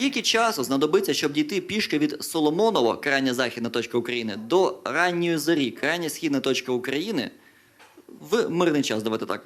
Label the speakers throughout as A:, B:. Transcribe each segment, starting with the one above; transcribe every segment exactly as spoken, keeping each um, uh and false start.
A: Скільки часу знадобиться, щоб дійти пішки від Соломоново, крайня західна точка України, до ранньої зорі, крайня східна точка України, в мирний час, давайте так.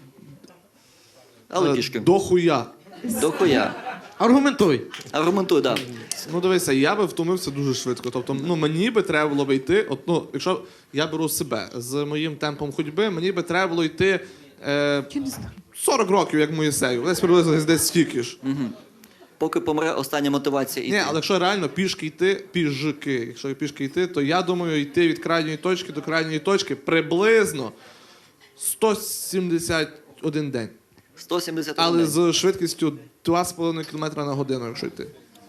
A: Але
B: Е,
A: пішки.
B: До хуя.
A: До хуя.
C: Аргументуй.
A: Аргументуй, так. Да.
B: Ну дивися, я би втомився дуже швидко. Тобто, ну мені би треба було би йти. От, ну, якщо я беру себе з моїм темпом ходьби, мені би треба було йти е, сорок років, як Моїсею. Десь приблизно десь стільки ж.
A: Поки помре остання мотивація йти.
B: Ні, але якщо реально пішки йти, пішки, якщо пішки йти, то я думаю, йти від крайньої точки до крайньої точки приблизно сто сімдесят один день.
A: сто сімдесят
B: Але з швидкістю два з половиною кілометра на годину, якщо йти.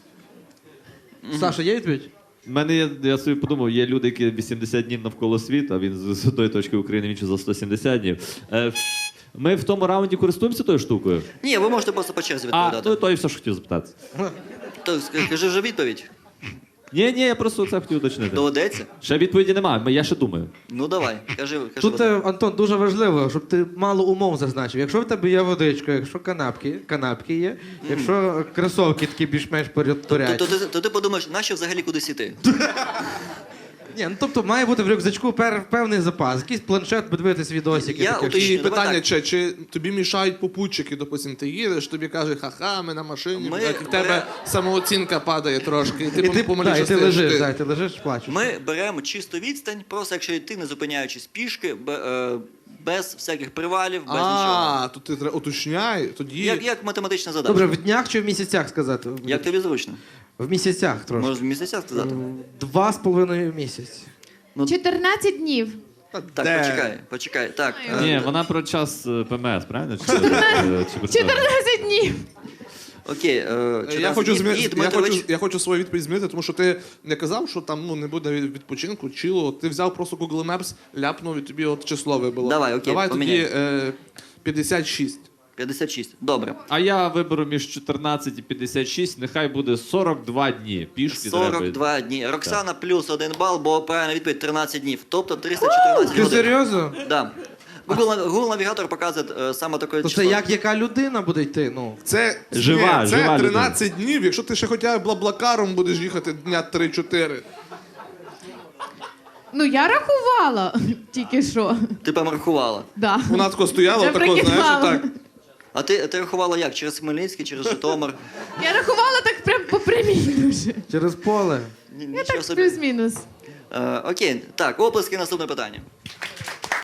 C: Саша, є відповідь?
D: У мене є, я собі подумав, є люди, які вісімдесят днів навколо світу, а він з- з одної точки України, він ще за сто сімдесят днів. Е, ми в тому раунді користуємося тою штукою?
A: Ні, ви можете просто по черзі
D: А,
A: відповідати.
D: ну то і все, що хотів запитати.
A: То скажи вже відповідь.
D: Ні, ні, я просто це хотів уточнити.
A: Доведеться?
D: Ще відповіді немає, я ще думаю.
A: Ну давай, кажи. кажи
C: Тут,
A: Вадим.
C: е, Антон, дуже важливо, щоб ти мало умов зазначив. Якщо в тебе є водичка, якщо канапки, канапки є, якщо кросовки такі більш-менш
A: то,
C: порядторять.
A: то, ти- то ти подумаєш, нащо взагалі кудись іти?
C: Ні, ну тобто має бути в рюкзачку пер, певний запас, якийсь планшет, подивитись відосики.
A: Я
C: таке.
A: уточню.
B: І
A: давай
B: питання,
A: так.
B: чи, чи тобі мішають попутчики, допустим, ти їдеш, тобі каже, ха-ха, ми на машині,
A: Ми-
B: так, і в тебе
A: ми-
B: самооцінка падає трошки, і ти,
C: І ти,
B: помаліше
C: да, і ти
B: стаєш
C: лежиш,
B: ти.
C: да, і ти лежиш, плачеш.
A: Ми беремо чисту відстань, просто якщо йти, не зупиняючись пішки, бе- е, без всяких привалів, без нічого.
B: А, то ти треба уточняй, тоді...
A: Як, як математична задача.
C: Добре, в днях чи в місяцях сказати?
A: Як тобі зручно?
C: В місяцях трошки.
A: Можеш в місяцях сказати?
C: Два з половиною місяці.
E: чотирнадцять днів.
A: Так,
B: Де?
A: почекай, почекай. Так, е,
D: Ні, вона про час е, ПМС, правильно? Чи, е, чи про що?
E: чотирнадцять днів.
A: окей. Е, чотирнадцять
B: Я хочу,
A: днів.
B: змі...
A: І
B: я,
A: Дмитрович-
B: хочу, я хочу свою відповідь змінити, тому що ти не казав, що там ну, не буде від- відпочинку, чило. Ти взяв просто Google Maps, ляпнув і тобі от число вибило.
A: Давай, окей,
B: Давай
A: поміняй.
B: тоді е, п'ятдесят шість.
A: п'ятдесят шість. Добре.
D: А я виберу між чотирнадцять і п'ятдесят шість, нехай буде сорок два дні. Пішки
A: сорок
D: треба.
A: два дні. Роксана плюс один бал, бо правильна відповідь тринадцять днів. Тобто триста чотирнадцять
C: Ти
A: годин.
C: серйозно?
A: Да. Google, Google навігатор показує е, саме таке
C: То
A: число.
C: це як яка людина буде йти? Ну.
B: Це,
D: Жива,
B: ні, це
D: жива
B: тринадцять днів, якщо ти ще хоча б блаблакаром будеш їхати дня три-чотири.
E: Ну я рахувала тільки що.
A: Ти прям рахувала.
E: Да.
B: Вона тако стояла,
E: Я
B: тако, знаєш,
E: прикидала.
B: отак.
A: А ти, ти рахувала як? Через Хмельницький, через Житомир?
E: Я рахувала так прям по прямій дуже.
C: Через поле.
A: Ні-
E: Я
A: Нічого
E: так
A: собі.
E: плюс-мінус.
A: Е, окей, так, оплески, наступне питання.